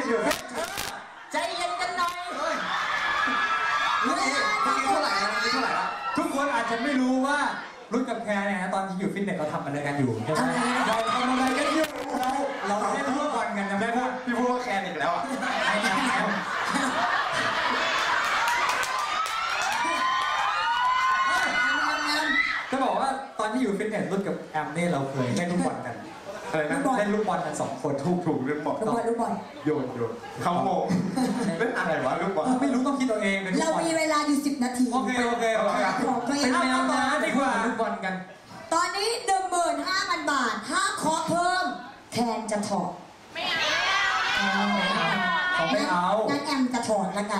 อยู่ใจเย็นกันหน่อยเมื่อกี้เท่าไหร่ละทุกคนอาจจะไม่รู้ว่ารุ่นกับแคร์เนี่ยตอนที่อยู่ฟิตเนสเราทำอะไรกันอยู่ใช่ไหมเราทำอะไรกันอยู่เราเล่นฟุตบอลกันจำได้ปะพี่พูดว่าแคร์อีกแล้วอ่ะไอ้แคร์จะบอกว่าตอนที่อยู่ฟิตเนสรุ่นกับแอมเนี่ยเราเคยเล่นลูกบอลกันอะไรนะเล่นลูกบอลกัน2 คนถูกเรื่องบอลลูกบอลโยนเขาโมงเล่นอะไรวะลูกบอลไม่รู้ต้องคิดตัวเองเรามีเวลาอยู่10 นาทีโอเคเป็นแนวน้ำดีกว่าลูกบอลกันตอนนี้ 15,000 บาทถ้าขอเพิ่มแคนจะถอดไม่เอางั้นแอมจะถอดแล้วกัน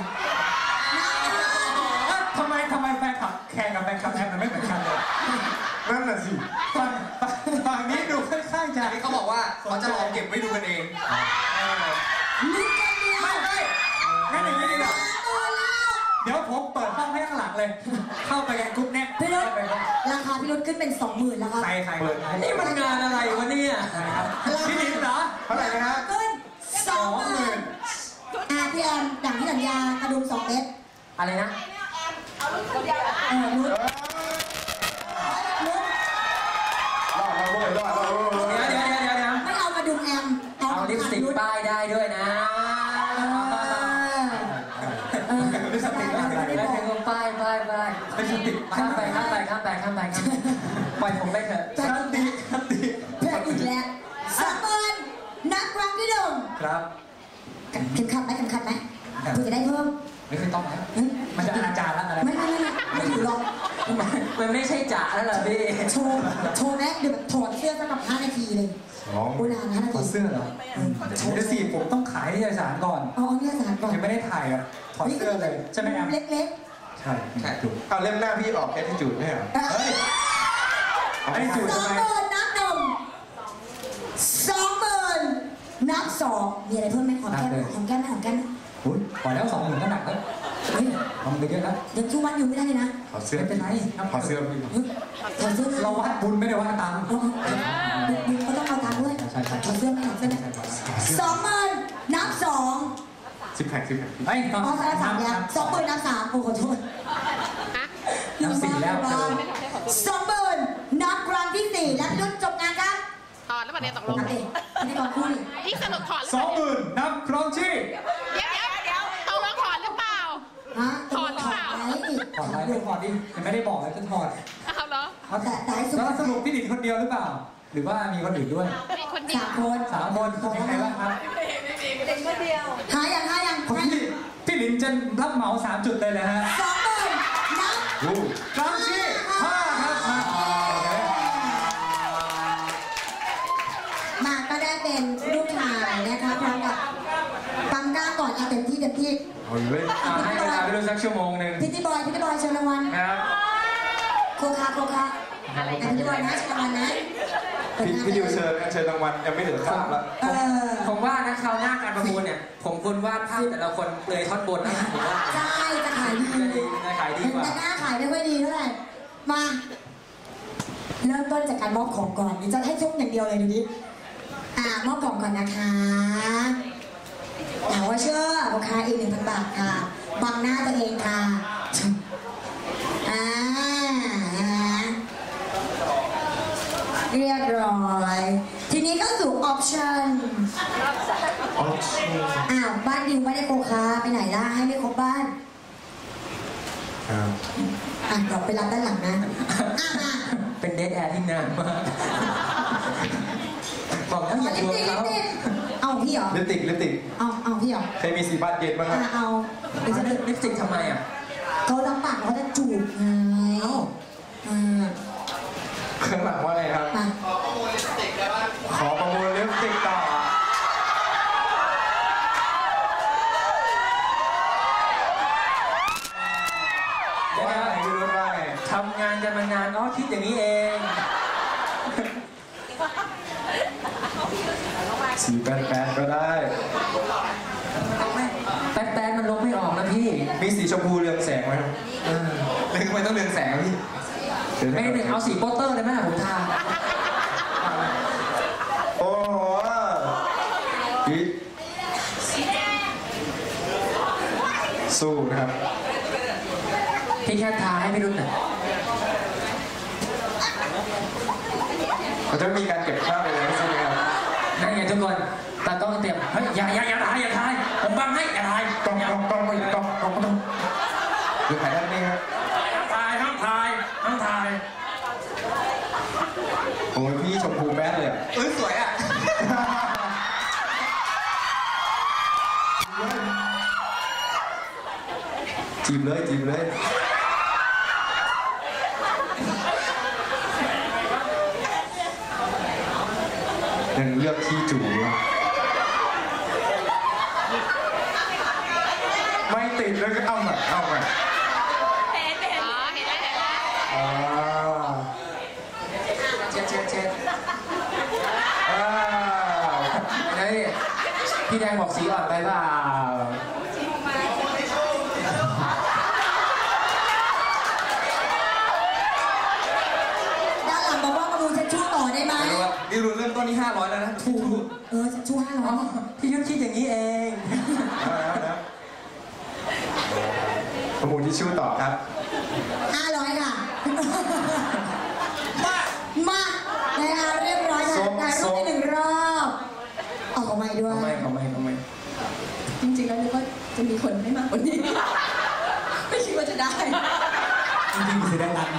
ทำไมแฟนคลับแคนกับแฟนคลับแอมมันไม่เหมือนกันเลยนั่นน่ะสิฝั่งนี้ดูค่อนข้างจะนี่เขาบอกว่าเขาจะลองเก็บไว้ดูกันเองลุ้นกันเดียวไม่งั้นอย่างนี้ดีกว่าเดี๋ยวผมเปิดห้องให้ข้างหลังเลยเข้าไปในกรุ๊ปเนี้ยพี่รุ่นราคาพี่รุ่นขึ้นเป็น 20,000แล้วครับใครเปิดนี่มันงานอะไรวะเนี่ยพี่ลิ้นเหรอเท่าไหร่นะฮะขึ้น 20,000พี่แอมอย่างที่สัญญากระดุม2 เม็ดอะไรนะเอาลูกคนเดียวลุ้นเดี๋ยวไม่เอากระดุมแอมเอาลิปสติกป้ายได้ด้วยนะลิปสติกอะไรได้ถึงป้ายลิปสติกข้ามไปปล่อยผมไปเถอะคันดีแพ้อีกแล้ว20,000นักรักที่1 ครับเข็มขัดไหมคุณจะได้เพิ่มไม่เคยต้องไหมมันจะอนาจารแล้วอะไรไม่ถือหรอกมันไม่ใช่จ๋าแล้วเหรอพี่โชว์แม็กเดี๋ยวแบบถอดเสื้อสัก5 นาทีเลยโบราณ5 นาทีถอดเสื้อเหรอเดี๋ยวสิผมต้องขายนิตยสารก่อนนิตยสารก่อนยังไม่ได้ถ่ายอ่ะถอดเสื้อเลยใช่ไหมแอมเล็กใช่ถูกเอาเล่มหน้าพี่ออกแอทิจูดไม่เหรอเฮ้ยแอทิจูดทำไม 20,000นับ 1 20,000นับ 2มีอะไรเพิ่มไหมหอมแก้มอุ้ยพอแล้ว20,000ก็หนักแล้วเฮ้ยทำไปเยอะแล้วยังทุกวันอยู่ไม่ได้เลยนะถอดเสื้อเป็นไรถอดเสื้อเราวัดบุญไม่ได้วัดตังค์บุญก็ต้องเอาตังค์ด้วยถอดเสื้อไม่20,000นับ 2 10 แผ่นไอ้ตอน3เนี่ย20,000นับ 3โอ้ขอโทษนับ 4แล้ว 20,000นับครั้งที่4และพี่รุ่นจบงานครับถอดแล้วประเด็นตกลงนี่ตอนคู่นี่สนุกถอด 20,000นับครองชีพเดี๋ยวตกลงถอดหรือเปล่าถอดหรือเปล่าถอดดิยังไม่ได้บอกเลยจะถอดเอาเหรอแล้วสรุปพี่ดินคนเดียวหรือเปล่าหรือว่ามีคนอื่นด้วยมีคนเดียว 3 คนเป็นใครบ้างครับเด็กคนเดียวหายังพี่ลินจะรับเหมา3 จุดเลยนะฮะ 20,000นับครองชีพ5ครับมาก็ได้เป็นลูกชายนะคะพร้อมกับปั๊มกล้าก่อนเต็มที่ให้เวลาไปดูสักชั่วโมงนึงพิธีบอยเชิญรางวัลครับโคคาพิธีบอยนะเชิญรางวัลนะพี่ดิวเชิญรางวัลยังไม่เหลือข้ามแล้วผมว่านะคราวหน้าการประมูลเนี่ยผมควรวาดภาพแต่ละคนเลยท่อนบนนะผมว่าใช่จะขายดีกว่าแต่หน้าขายไม่ค่อยดีเท่าไหร่มาเริ่มต้นจากการมอบของก่อนนี่จะให้ชุบอย่างเดียวเลยดูดิมอบกล่องก่อนนะคะว่าเชื่อราคาอีก 1,000 บาทค่ะบังหน้าตัวเองค่ะเรียบร้อยทีนี้ก็สู่ออปชั่นบ้านดิวไม่ได้โคคาไปไหนล่ะให้ไม่ครบบ้านเดี๋ยวไปรับด้านหลังนะเป็นเดทแอร์ที่นานมากบอกแล้วอย่าชวนเขาเอาพี่เหรอลิปสติกเอาพี่เหรอเคยมี4 บาทเย็นบ้างครับเอาลิปสติกทำไมเขาลำบากเขาจะจูบไงข้างหลังว่าอะไรครับขอประมูลลิปสติกต่อทำงานกันมานานคิดอย่างนี้เอง 488ก็ได้แป๊ดมันลบไม่ออกนะพี่มีสีชมพูเรืองแสงไหมครับทำไมต้องเรืองแสงพี่ไม่หนึ่งเอาสีโปสเตอร์เลยไหมผมทาโอ้โหสู้นะครับพี่แค่ทาให้พี่รุ่นหน่อยเราจะมีการเก็บภาพไปแล้วใช่ไหมครับนั่นไงทุกคนตากล้องเตรียมเฮ้ยอย่าถ่ายผมบังให้อย่าถ่ายกล้องก็ต้องหรือถ่ายด้านนี้ครับห้ามถ่ายโอ้ยพี่ชมพูแบดเลยสวยอ่ะจีบเลยยังเลือกที่จูไม่ติดเลยก็เอาใหม่เห็นอ๋อเห็นแล้วอ่าเช็ดอ่าเฮ้ยพี่แดงบอกสีอ่อนไปเปล่าด้านหลังบอกว่ามาดูฉันชู้ต่อได้ไหมดิวเริ่มต้นที่500แล้วนะถูกฉันชู้500 พี่ยุทธคิดอย่างนี้เองแล้วประมูลที่ชู่ต่อครับ 500ค่ะมานะคะเรียบร้อยค่ะถ่ายรูปไป1 รอบออกมาด้วยเขาไม่จริงๆแล้วนึกว่าจะมีคนให้มากกว่านี้ ไม่คิดว่าจะได้จริงๆมีสีแดงด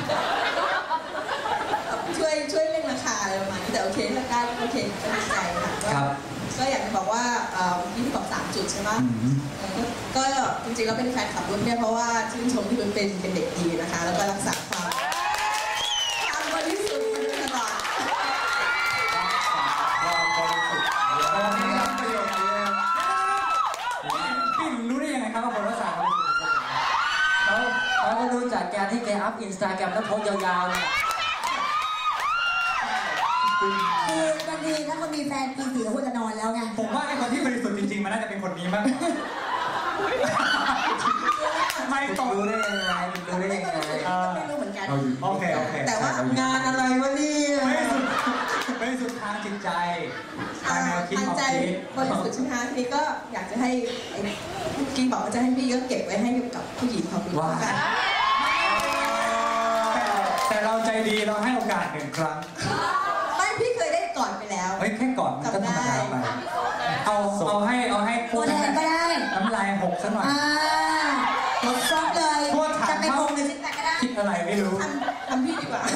ช่วยเร่งราคาอะไรประมาณนี้แต่โอเคถ้าได้โอเคก็ดีใจค่ะำครับก็อยากจะบอกว่าที่พี่บอก3 จุดใช่ไหมก็จริงๆแล้วเป็นแฟนคลับรุ่นเนี่ยเพราะว่าชื่นชมที่รุ่นเป็นเด็กดีนะคะ แล้วก็รักษาความบริสุทธิ์ตลอดความบริสุทธิ์ประโยชน์นี้พี่รู้ได้ยังไงครับว่าคนรักษาความบริสุทธิ์เขาก็รู้จากการที่แกอัพอินสตาแกรมแล้วโพสยาวๆเนี่ยคือบางทีถ้าคนมีแฟนปี4ควรจะนอนแล้วไงผมว่าไอ้คนที่บริสุทธิ์จริงๆมันน่าจะเป็นคนนี้มากกว่าไม่ตรงรู้ได้ยังไงไม่รู้เหมือนกันโอเคแต่ว่างานอะไรวะเนี่ยบริสุทธิ์ทางจิตใจทางแนวคิดทางความใจคิดบริสุทธิ์ใช่ไหมคะทีนี้ก็อยากจะให้กิ๊กบอกว่าจะให้พี่ก็เก็บไว้ให้กับผู้หญิงเขาดูกันแต่เราใจดีเราให้โอกาส1 ครั้งไม่พี่เคยได้ก่อนไปแล้วเฮ้ยแค่ก่อนมันก็ธรรมดาไปเอาให้ตัวแทนก็ได้น้ำลาย6ซะหน่อยกดซอฟเลยโทษถามจะเป็นวงหรือซิกแพคก็ได้คิดอะไรไม่รู้ทำพี่ดีกว่า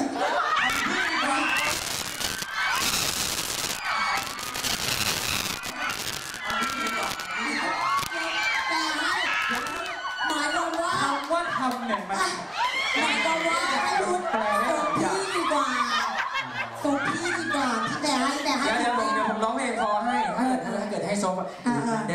แต่ให้หมายความว่าคำว่าทำเนี่ยมันหมายความว่าให้รุนส่งพี่ดีกว่าส่งพี่ดีกว่าพี่แต่ให้เดี๋ยวผมร้องเพลงคอให้ถ้าเกิดให้ซบได้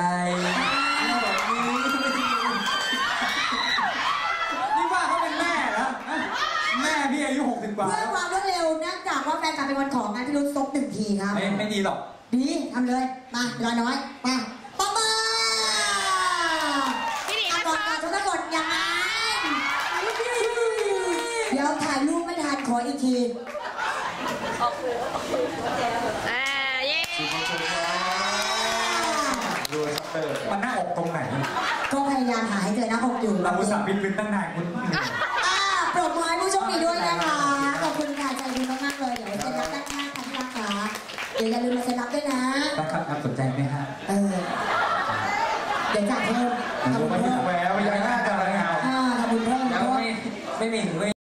นี่ว่าเขาเป็นแม่แล้วแม่พี่อายุ60 กว่าเพื่อความรวดเร็วเนื่องจากว่าแฟนกลับเป็นวันของงานพี่รุนซบ1 ทีครับไม่ดีหรอกดีทำเลยมาเวลาน้อยมาป๊อปมาพี่หนีอ่ะมาก่อนซ้อการทุกคนอย่างนั้นเดี๋ยวถ่ายรูปไม่ทันขออีกทีเย้ดูชัตเตอร์มันหน้าอกตรงไหนก็พยายามหาให้เจอหน้าอกอยู่เราอุตส่าห์พิมพ์ตั้งนานคุณปรบมือให้ผู้โชคดีด้วยนะคะ ขอบคุณค่ะใจดีมากๆเลย เดี๋ยวเซ็นรับด้านข้างค่ะที่รักค่ะเดี๋ยวอย่าลืมมาเซ็นรับด้วยนะครับสนใจไหมฮะเดี๋ยวจ่ายเพิ่มทำบุญเพิ่มแหววยังหน้าจะอะไรเงาทำบุญเพิ่มแล้วไม่มี